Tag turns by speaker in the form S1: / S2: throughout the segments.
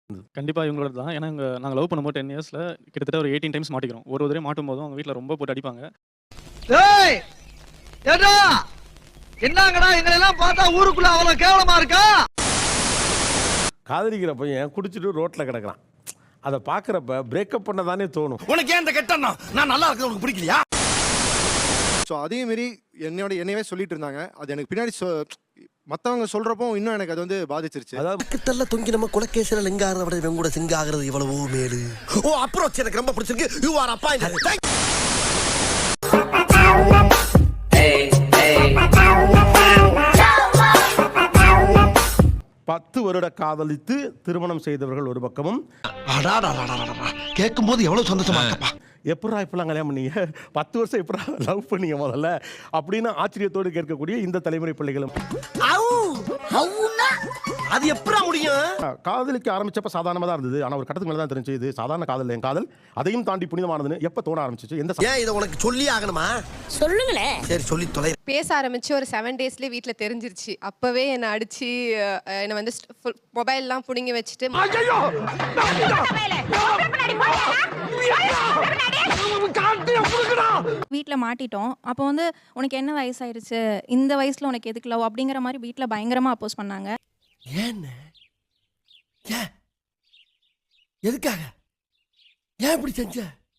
S1: கண்டிப்பா இவங்களோட தான். ஏன்னா நாங்க லவ் பண்ணும்போது 10 இயர்ஸ்ல கிட்டத்தட்ட ஒரு 18 டைம்ஸ் மாட்டிக்கிறோம். ஒரு தடவை மாட்டும்போதும் அவங்க வீட்ல ரொம்ப போட்டு அடிப்பாங்க.
S2: ஏய் ஏடா என்னங்கடா எங்களை எல்லாம் பார்த்தா ஊருக்குள்ள அவ்வளவு கேவலமா இருக்கா?
S3: காதலிக்கிற பையன் குடிச்சிட்டு ரோட்ல கிடக்குறான். அதை பார்க்குறப்ப பிரேக்கப் பண்ண தானே தோணும்.
S2: உனக்கு ஏன் இந்த கெட்டண்ணா? நான் நல்லா இருக்கிறது உனக்கு பிடிக்கலையா?
S4: ஸோ அதே மாரி என்னையவே சொல்லிட்டு இருந்தாங்க. அது எனக்கு பின்னாடி மற்றவங்க சொல்றப்போ இன்னும் எனக்கு அது வந்து பாதிச்சிருச்சு.
S3: அதாவது
S5: பக்கத்துல தொங்கி நம்ம குலக்கேசல லிங்காகிறத விட இவன் கூட சிங்காகிறது இவ்வளவோ மேலு. ஓ அப்ரோச் எனக்கு ரொம்ப பிடிச்சிருக்கு. You are appointed.
S3: 10 வருட காதலித்து திருமணம் செய்தவர்கள் ஒரு பக்கமும்,
S5: கேட்கும் போது எவ்வளவு சந்தோஷமா இருக்கப்பா.
S3: எப்படா இப்பெல்லாம் கல்யாணம் பண்ணீங்க, 10 வருஷம் எப்படா லவ் பண்ணீங்க முதல்ல அப்படின்னு ஆச்சரியத்தோடு கேட்கக்கூடிய இந்த தலைமுறை பிள்ளைகளும்.
S5: அது எப்படா முடியும்?
S3: காதலிக்க ஆரம்பிச்சப்ப சாதாரணமா தான் இருந்தது. ஆனா ஒரு கட்டத்துக்கு மேல தான் தெரிஞ்சு இது சாதாரண காதல், என் காதல் அதையும் தாண்டி புனிதமானதுன்னு எப்ப தோண ஆரம்பிச்சிச்சு? எந்த
S5: ஏன் இதை உனக்கு சொல்லி ஆகணுமா?
S6: சொல்லுங்களே.
S5: சரி சொல்லி தொலை.
S7: பேச ஆரம்பிச்சு ஒரு 7 டேஸ்லேயே வீட்டில் தெரிஞ்சிருச்சு. அப்பவே என்னை அடிச்சு என்னை வந்து மொபைல்லாம் பிடுங்கி வச்சுட்டு
S6: வீட்டில் மாட்டிட்டோம். அப்போ வந்து உனக்கு என்ன வயசாயிருச்சு, இந்த வயசுல உனக்கு எதுக்கு லவ் அப்படிங்கிற மாதிரி வீட்டில் பயங்கரமா அப்போஸ் பண்ணாங்க.
S5: ஏன் எதுக்காக ஏன் இப்படி செஞ்ச?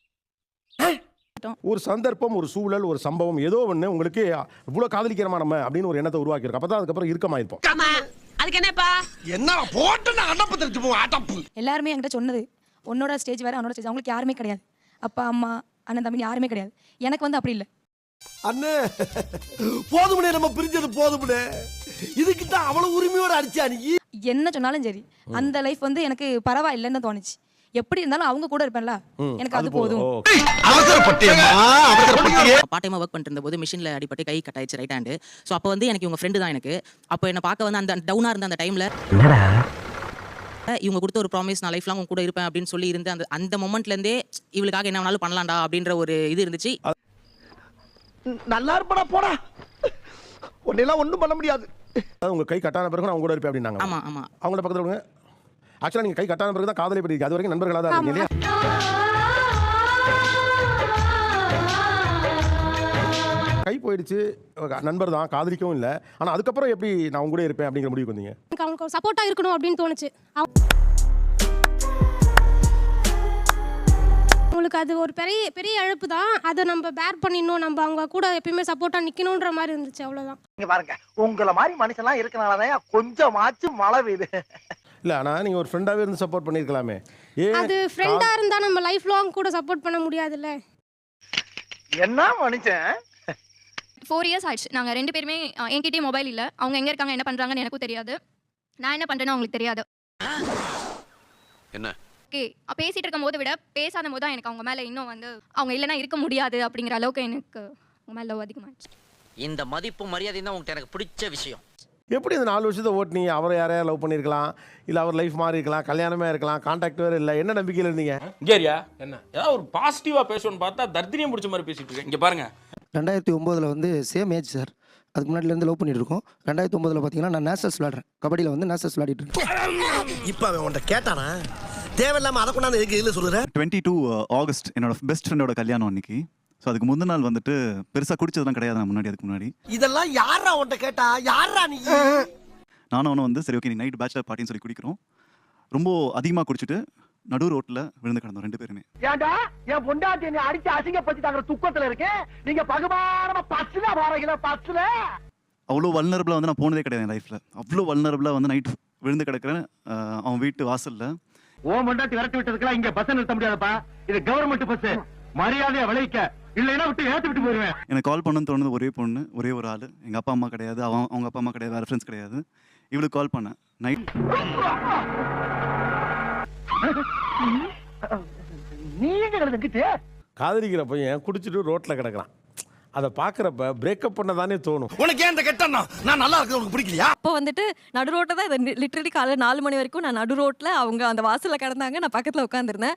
S3: ஒரு சந்தர்ப்பம், ஒரு சூழல், ஒரு சம்பவம், ஏதோ ஒண்ணு உங்களுக்கு இவ்வளவு காதலிக்கிறமா நம்ம அப்படின்னு ஒரு எண்ணத்தை உருவாக்கி இருக்கு. அப்பதான் அதுக்கப்புறம் இருக்கமாயிருப்போம்.
S7: அதுக்கு என்னப்பா
S5: என்ன போட்டு அடப்பு தெரிஞ்சு போ அடப்பு.
S6: எல்லாருமே என்கிட்ட சொன்னது, உன்னோட ஸ்டேஜ் வேற அவனோட ஸ்டேஜ், அவங்களுக்கு யாருமே கிடையாது. அப்பா அம்மா அண்ணன் தம்பி யாருமே கிடையாது. எனக்கு வந்து அப்படி இல்லை.
S5: அண்ணே போதும்னே, நம்ம பிரிஞ்சது போதும்னே. இதுக்கிட்ட அவ்வளவு உரிமையோட அடிச்சா நீ?
S6: என்ன சொன்னாலும் சரி அந்த லைஃப் வந்து எனக்கு பரவாயில்லைன்னு தோணுச்சு. எப்படி இருந்தாலும் அவங்க கூட இருப்பேன்ல, எனக்கு அது போதும்.
S8: பார்ட் டைமா ஒர்க் பண்ணிட்டு இருந்தபோது மிஷின்ல அடிபட்டு கை கட் ஆயிடுச்சு ரைட் ஹேண்ட். ஸோ அப்போ வந்து எனக்கு இவங்க ஃப்ரெண்டு தான் எனக்கு. அப்போ என்ன பார்க்க வந்து அந்த டவுனா இருந்த அந்த டைம்ல இவங்க கொடுத்த ஒரு ப்ராமிஸ், நான் லைஃப் லாங் உங்க கூட இருப்பேன் அப்படின்னு சொல்லி இருந்து அந்த மொமெண்ட்ல இருந்தே இவளுக்காக என்ன வேணாலும் பண்ணலாம்டா அப்படின்ற ஒரு இது இருந்துச்சு.
S5: நல்லா இருப்படா போடா, உன்னெல்லாம் ஒண்ணும் பண்ண முடியாது.
S3: உங்க கை கட்டான பிறகு நான் அவங்க கூட இருப்பேன் அப்படின்னாங்க.
S8: ஆமா ஆமா.
S3: அவங்கள பக்கத்துல விடுங்க. ஆக்சுவலா நீங்க கை கட்டான பிறகு தான் காதலை பற்றி, அது வரைக்கும் நண்பர்களா தான் இருக்கீங்க இல்லையா? கை போயிடுச்சு, நண்பர் தான், காதலிக்கவும் இல்லை. ஆனா அதுக்கப்புறம் எப்படி நான் உங்க கூட இருப்பேன் அப்படிங்கிற முடிவுக்கு வந்தீங்க?
S6: அவங்களுக்கு சப்போர்ட்டா இருக்கணும் அப்படின்னு தோணுச்சு. அவங்களுக்கு அது ஒரு பெரிய பெரிய இழப்பு தான். அதை நம்ம பேர் பண்ணிடணும், நம்ம அவங்க கூட எப்பயுமே சப்போர்ட்டா நிக்கணும்ன்ற மாதிரி இருந்துச்சு. அவ்வளவுதான்.
S2: இங்க பாருங்க, உங்களை மாதிரி மனுஷன்லாம் இருக்கனாலதான் கொஞ்சமாச்சும் மழை பெய்யுது.
S3: இல்ல, ஆனா நீங்க ஒரு ஃப்ரெண்டாவே இருந்து சப்போர்ட் பண்ணிருக்கலாமே.
S6: அது ஃப்ரெண்டா இருந்தா நம்ம லைஃப் லாங் கூட சப்போர்ட் பண்ண முடியாதுல்ல.
S2: என்ன மனுஷன்?
S9: 4 இயர்ஸ் ஆயிடுச்சு. நாங்கள் 2 பேருமே என்கிட்டயே மொபைல் இல்லை. அவங்க எங்கே இருக்காங்க, என்ன பண்ணுறாங்கன்னு எனக்கும் தெரியாது. நான் என்ன பண்ணுறேன்னு அவங்களுக்கு தெரியாது.
S10: என்ன
S9: ஓகே, பேசிகிட்டு இருக்கும் போது விட பேசாத போது தான் எனக்கு அவங்க மேலே இன்னும் வந்து அவங்க இல்லைன்னா இருக்க முடியாது அப்படிங்கிற அளவுக்கு எனக்கு அவங்க மேலே லவ் அதிகமாகிடுச்சு.
S8: இந்த மதிப்பு மரியாதை தான் உங்களுக்கு எனக்கு பிடிச்ச விஷயம்.
S3: எப்படி இந்த 4 வருஷத்தை ஓட்டினீங்க? அவரை யாரையா லவ் பண்ணியிருக்கலாம், இல்லை அவர் லைஃப் மாறி இருக்கலாம், கல்யாணமே இருக்கலாம், கான்டாக்ட் வேறு இல்லை. என்ன நம்பிக்கையில் இருந்தீங்க?
S10: கேரியா என்ன ஏதாவது ஒரு பாசிட்டிவா பேசணும்னு பார்த்தா தர்தினியம் பிடிச்ச மாதிரி பேசிட்டு இருக்கேன். இங்க பாருங்க,
S11: 2009 வந்து சேம் ஏஜ் சார். அதுக்கு முன்னாடிலேருந்து லவ் பண்ணிட்டு இருக்கோம். 2009 பார்த்தீங்கன்னா நான் நேஷனல்ஸ் விளையாடுறேன், கபடியில் வந்து நேஷனல்ஸ் விளையாடிட்டு இருக்கேன்.
S5: இப்போ அவன் உன்ட்ட கேட்டானா? தேவையில்லாம அதை கொண்டாந்து எதுக்கு இதில் சொல்லுறேன்?
S12: 22 ஆகஸ்ட் என்னோட பெஸ்ட் ஃப்ரெண்டோட கல்யாணம் அன்னைக்கு. ஸோ அதுக்கு முந்தின நாள் வந்துட்டு பெருசாக குடிச்சதுலாம் கிடையாது. நான் அதுக்கு முன்னாடி
S5: இதெல்லாம் யாரா உன்ட்ட கேட்டா? யாரா நீ?
S12: நானும் அவனும் வந்து சரி ஓகே நீ நைட் பேச்சுலர் பார்ட்டின்னு சொல்லி குடிக்கிறோம். ரொம்ப அதிகமாக குடிச்சிட்டு நடு ரோட்டில் விழுந்து கிடந்தோம் 2 பேருமே.
S2: ஏண்டா என் பொண்டாட்டி என்னை அடிச்சு அசிங்கப்படுத்திட்டாங்க, துக்கத்துல இருக்கேன். நீங்க பகுமானமா பச்சுல வாரீங்களா? பச்சுல
S12: அவ்வளோ வல்னரபிளாக வந்து நான் போனதே கிடையாது என் லைஃப்பில். அவ்வளோ வல்னரபிளாக வந்து நைட் விழுந்து கிடக்கிறேன் அவன் வீட்டு வாசலில்.
S2: ஓ பொண்டாட்டி விரட்டி விட்டதுக்கெல்லாம் இங்க பஸ் நிறுத்த முடியாதுப்பா. இது கவர்மெண்ட் பஸ், மரியாதையா விளைவிக்க, இல்லைன்னா விட்டு ஏத்து விட்டு போயிருவேன். எனக்கு
S12: கால் பண்ணணும்னு தோணுது ஒரே பொண்ணு, ஒரே ஒரு ஆள். எங்கள் அப்பா அம்மா கிடையாது, அவங்க அப்பா அம்மா கிடையாது, வேறு ஃப்ரெண்ட்ஸ் கிடையாது. இவளுக்கு கால் பண்ணேன் நைட்.
S2: நீ எங்க கிடந்துக்கிட்டு?
S3: காதலிக்கிற பையன் குடிச்சிட்டு ரோட்டில் கிடக்குறான். அதை பார்க்குறப்ப பிரேக்கப் பண்ண தானே தோணும்.
S5: உனக்கு ஏன் இந்த கெட்டண்ணா? நான் நல்லா இருக்கிறது உனக்கு பிடிக்கலையா?
S6: அப்போ வந்துட்டு நடு ரோட்டை தான் லிட்டரலி காலையில் 4 மணி வரைக்கும் நான் நடு ரோட்டில் அவங்க அந்த வாசலில் கிடந்தாங்க, நான் பக்கத்தில் உட்காந்துருந்தேன்.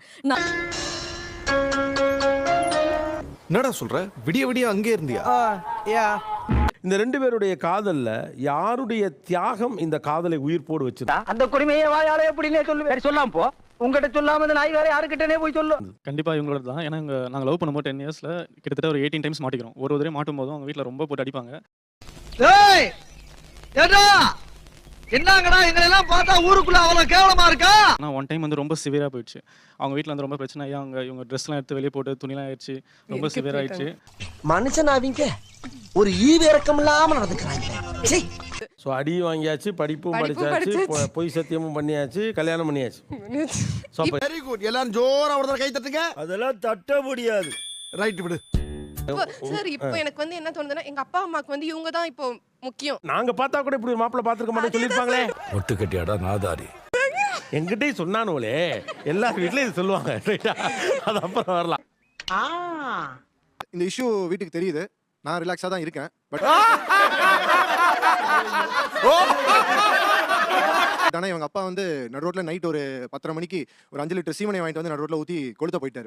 S4: என்னடா சொல்ற? விடிய விடிய அங்கே இருந்தியா?
S3: இந்த 2 பேருடைய காதல்ல யாருடைய தியாகம் இந்த காதலை உயிர்ப்போடு வச்சிருந்தா?
S13: அந்த கொடுமையை வாயால எப்படினே சொல்லு, சொல்லாம் போ. உங்ககிட்ட சொல்லாம இந்த நாய் வேற யாருக்கிட்டனே போய் சொல்லு.
S1: கண்டிப்பாக இவங்களோட தான். ஏன்னா நாங்கள் லவ் பண்ணும்போது 10 இயர்ஸில் கிட்டத்தட்ட ஒரு 18 டைம்ஸ் மாட்டிக்கிறோம். ஒரு தடவை மாட்டும் போதும் அவங்க வீட்டில் ரொம்ப போட்டு அடிப்பாங்க.
S13: ஏய் ஏடா என்னங்கடா எங்களை எல்லாம் பார்த்தா ஊருக்குள்ள அவ்வளவு கேவலமா இருக்கா?
S1: ஆனால் ஒன் டைம் வந்து ரொம்ப சிவியராக போயிடுச்சு. அவங்க வீட்டில் வந்து ரொம்ப பிரச்சனை ஆகி இவங்க ட்ரெஸ்லாம் எடுத்து வெளியே போட்டு துணிலாம் ஆயிடுச்சு. ரொம்ப சிவியர் ஆயிடுச்சு.
S5: மனுஷன் அவங்க ஒரு ஈவிரக்கம் இல்லாம நடந்துக்கிறாங்க.
S3: ஸோ அடி வாங்கியாச்சு, படிப்பும் படிச்சாச்சு, பொய் சத்தியமும் பண்ணியாச்சு, கல்யாணம் பண்ணியாச்சு.
S5: Very good. எல்லாரும் ஜோரா ஒரு கை தட்டுங்க.
S3: அதெல்லாம் தட்ட முடியாது.
S5: ரைட் விடு.
S7: சார் இப்போ எனக்கு வந்து என்ன தோணுதுன்னா எங்க அப்பா அம்மாக்கு வந்து இவங்க தான் இப்போ முக்கியம்.
S3: நாங்க பார்த்தா கூட இப்படி மாப்பிள்ளை பார்த்துருக்க மாட்டேன்னு சொல்லியிருப்பாங்களே.
S5: ஒட்டு கட்டியாடா நாதாரி.
S3: எங்கிட்டே சொன்னானுங்களே, எல்லா வீட்லயும் இது சொல்லுவாங்க. அது அப்புறம் வரலாம்.
S4: இந்த இஷ்யூ வீட்டுக்கு தெரியுது. நான் ரிலாக்ஸாக தான் இருக்கேன். பட் ஆனால் இவங்க அப்பா வந்து நடு ரோட்டில் நைட் ஒரு 10:30 மணிக்கு ஒரு 5 லிட்டர் சீமனை வாங்கிட்டு வந்து நடு ரோட்டில் ஊற்றி கொளுத்த போயிட்டாரு.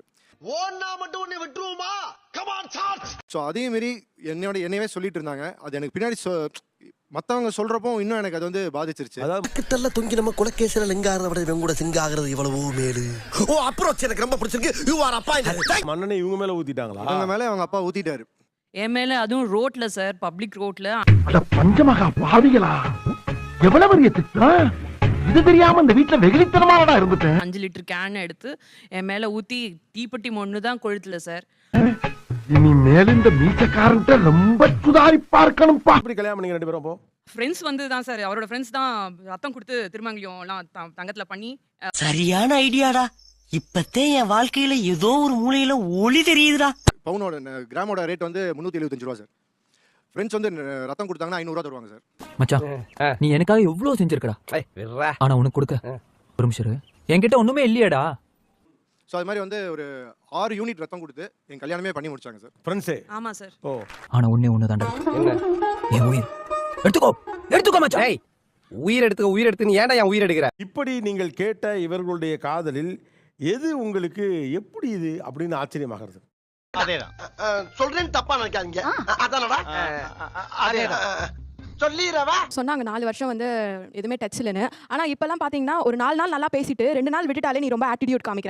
S4: ஸோ அதே மாரி என்னையவே சொல்லிட்டு இருந்தாங்க. அது எனக்கு பின்னாடி மற்றவங்க சொல்றப்போ இன்னும் எனக்கு அது வந்து பாதிச்சிருச்சு.
S5: அதாவது தொங்கி நம்ம குலக்கேசல லிங்காகிறத விட இவங்க கூட சிங்காகிறது இவ்வளவோ மேலு. ஓ அப்ரோச் எனக்கு ரொம்ப பிடிச்சிருக்கு. You are appointed.
S3: மண்ணனை இவங்க மேல ஊத்திட்டாங்களா?
S4: அவங்க மேலே அவங்க அப்பா ஊத்திட்டாரு.
S8: என் மேல அதுவும் ரோட்ல சார், பப்ளிக் ரோட்ல.
S13: அட பஞ்சமகா பாவிகளா, எவ்வளவு பெரிய திட்டம் இது தெரியாம இந்த வீட்டுல வெகுளித்தனமானடா இருந்துட்டேன்.
S8: 5 லிட்டர் கேன் எடுத்து என் மேல ஊத்தி தீப்பெட்டி ஒண்ணு தான் கொளுத்துல சார்.
S13: இனி மேல இந்த மீசக்காரன்ட்ட ரொம்ப சுதாரிப்பா இருக்கணும்பா.
S3: அப்படி கல்யாணம் பண்ணி 2 பேரும் அப்போ
S8: ஃப்ரெண்ட்ஸ் வந்து தான் சார், அவரோட ஃப்ரெண்ட்ஸ் தான் ரத்தம் கொடுத்து திருமங்கலியம் எல்லாம் தங்கத்துல பண்ணி.
S5: சரியான ஐடியாடா. இப்பத்தே என் வாழ்க்கையில ஏதோ ஒரு மூலையில ஒளி தெரியுதுடா.
S4: பவுனோட கிராமோட ரேட் வந்து 375 ரூபா சார். ஃப்ரெண்ட்ஸ் வந்து ரத்தம் கொடுத்தாங்கன்னா 500 ரூபா தருவாங்க சார்.
S13: மச்சான் நீ எனக்காக எவ்வளவு செஞ்சிருக்கடா. ஆனா உனக்கு கொடுக்க ஒரு நிமிஷம் என்கிட்ட ஒண்ணுமே இல்லையேடா.
S4: ஸோ அது மாதிரி வந்து ஒரு 6 யூனிட் ரத்தம் கொடுத்து என் கல்யாணமே பண்ணி முடிச்சாங்க சார்.
S3: ஃப்ரெண்ட்ஸே.
S8: ஆமா சார்.
S3: ஓ
S13: ஆனா ஒண்ணு தாண்டா. என் உயிர் எடுத்துக்கோ மச்சான். உயிர் எடுத்து நீ ஏன்டா என் உயிர் எடுக்கிற?
S3: இப்படி நீங்கள் கேட்ட இவர்களுடைய காதலில் எது உங்களுக்கு எப்படி இது அப்படின்னு ஆச்சரியமாகிறது?
S5: அதேதான் சொல்றேன், தப்பா நினைக்காதீங்க. அதானடா அதேதான் சொல்லிரவா.
S7: சொன்னாங்க 4 வருஷம் வந்து எதுவுமே டச் இல்லைன்னு. ஆனா இப்பெல்லாம் பாத்தீங்கன்னா ஒரு 4 நாள் நல்லா பேசிட்டு 2 நாள் விட்டுட்டாலே நீ ரொம்ப ஆட்டிடியூட் காமிக்கிற.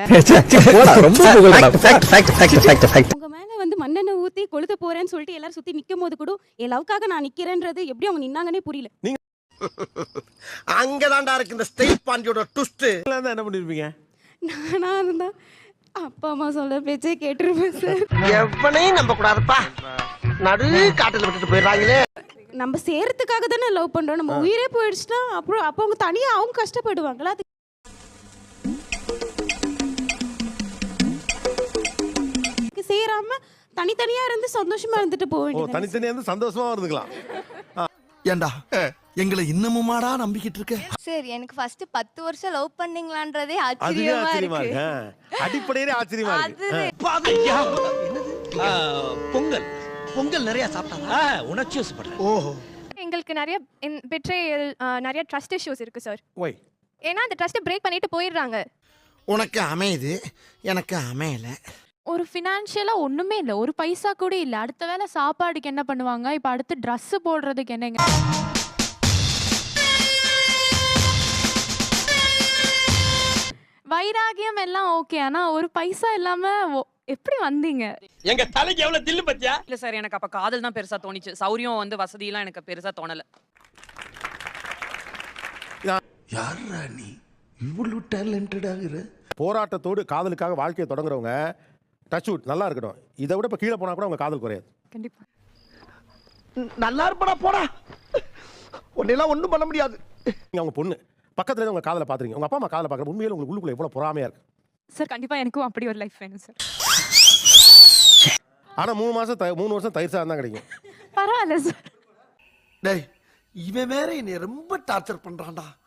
S6: உங்க மேல வந்து மண்ணெண்ணெய் ஊத்தி கொளுத்த போறேன்னு சொல்லிட்டு எல்லாரும் சுத்தி நிக்கும் போது கூட என் லவ்க்காக நான் நிக்கிறேன்றது எப்படி அவங்க நின்னாங்கன்னே புரியல.
S5: அங்கதான்டா இருக்கு இந்த ஸ்டேட் பாண்டியோட ட்விஸ்ட்.
S3: என்ன பண்ணிருப்பீங்க?
S6: நானா இருந்தா அப்பா அம்மா சொல்ல பேச்சே கேட்டுருப்பேன் சார்.
S5: எவனையும் நம்ப கூடாதுப்பா. நடு காட்டுல விட்டுட்டு போயிடுறாங்களே.
S6: நம்ம சேரத்துக்காக தானே லவ் பண்றோம். நம்ம உயிரே போயிடுச்சுன்னா அப்புறம் அப்போ அவங்க தனியா அவங்க கஷ்டப்படுவாங்களா? அது சேராம தனித்தனியா இருந்து சந்தோஷமா இருந்துட்டு போக வேண்டியது.
S3: தனித்தனியா இருந்து சந்தோஷமா இருந்துக்கலாம்.
S5: ஏண்டா எங்களை இன்னமுமாடா நம்பிக்கிட்டு இருக்க?
S9: சார் எனக்கு ஃபர்ஸ்ட் 10 வருஷம் லவ் பண்ணீங்களான்றதே
S3: அதுவே
S9: ஆச்சரியமா
S3: ஆச்சரியமா
S9: இருக்கு.
S3: இருக்கு. அடிப்படையிலே ஆச்சரியமா இருக்கு.
S5: பொங்கல் நிறைய சாப்பிட்டாங்க. உணர்ச்சி வசப்படுறேன். ஓஹோ.
S9: எங்களுக்கு நிறைய பெட்ரேயல், நிறைய ட்ரஸ்ட் இஷ்யூஸ் இருக்கு சார்.
S3: ஒய்.
S9: ஏன்னா அந்த ட்ரஸ்ட்டை பிரேக் பண்ணிட்டு போயிடுறாங்க.
S5: உனக்கு அமையுது, எனக்கு அமையல.
S6: ஒரு ஃபினான்ஷியலா ஒண்ணுமே இல்ல, ஒரு பைசா கூட இல்ல. அடுத்த வேளை சாப்பாடுக்கு என்ன பண்ணுவாங்க, இப்ப அடுத்து ட்ரெஸ் போடுறதுக்கு என்னங்க? வைராகியம் எல்லாம் ஓகே, ஆனா ஒரு பைசா இல்லாம எப்படி வந்தீங்க?
S10: எங்க தலைக்கு எவ்வளவு தில்லு பத்தியா?
S8: இல்ல சார், எனக்கு அப்ப காதல் தான் பெருசா தோணிச்சு. சௌரியம் வந்து வசதி எல்லாம் எனக்கு பெருசா தோணல.
S5: யாரா நீ இவ்வளவு டேலண்டடா இரு?
S3: போராட்டத்தோடு காதலுக்காக வாழ்க்கையை தொடங்குறவங்க டச் வுட் நல்லா இருக்கட்டும். இதை விட இப்ப கீழே போனா கூட அவங்க காதல் குறையாது.
S6: கண்டிப்பா
S5: நல்லா இருப்படா போடா. உன்னெல்லாம் ஒண்ணும் பண்ண முடியாது.
S3: அவங்க பொண்ணு பக்கத்துல இருந்து உங்க காதலை பாத்துறீங்க. உங்க அப்பா அம்மா காதலை பாக்குற உண்மையில உங்களுக்கு உள்ளுக்குள்ள எவ்வளவு பொறாமையா இருக்கு
S6: சார். கண்டிப்பா எனக்கும் அப்படி ஒரு லைஃப் வேணும் சார்.
S3: ஆனா 3 வருஷம் தயிர் சாதம் தான் கிடைக்கும்.
S6: பரவாயில்ல சார்.
S5: டேய் இவன் வேற என்னை ரொம்ப டார்ச்சர் பண்றான்டா.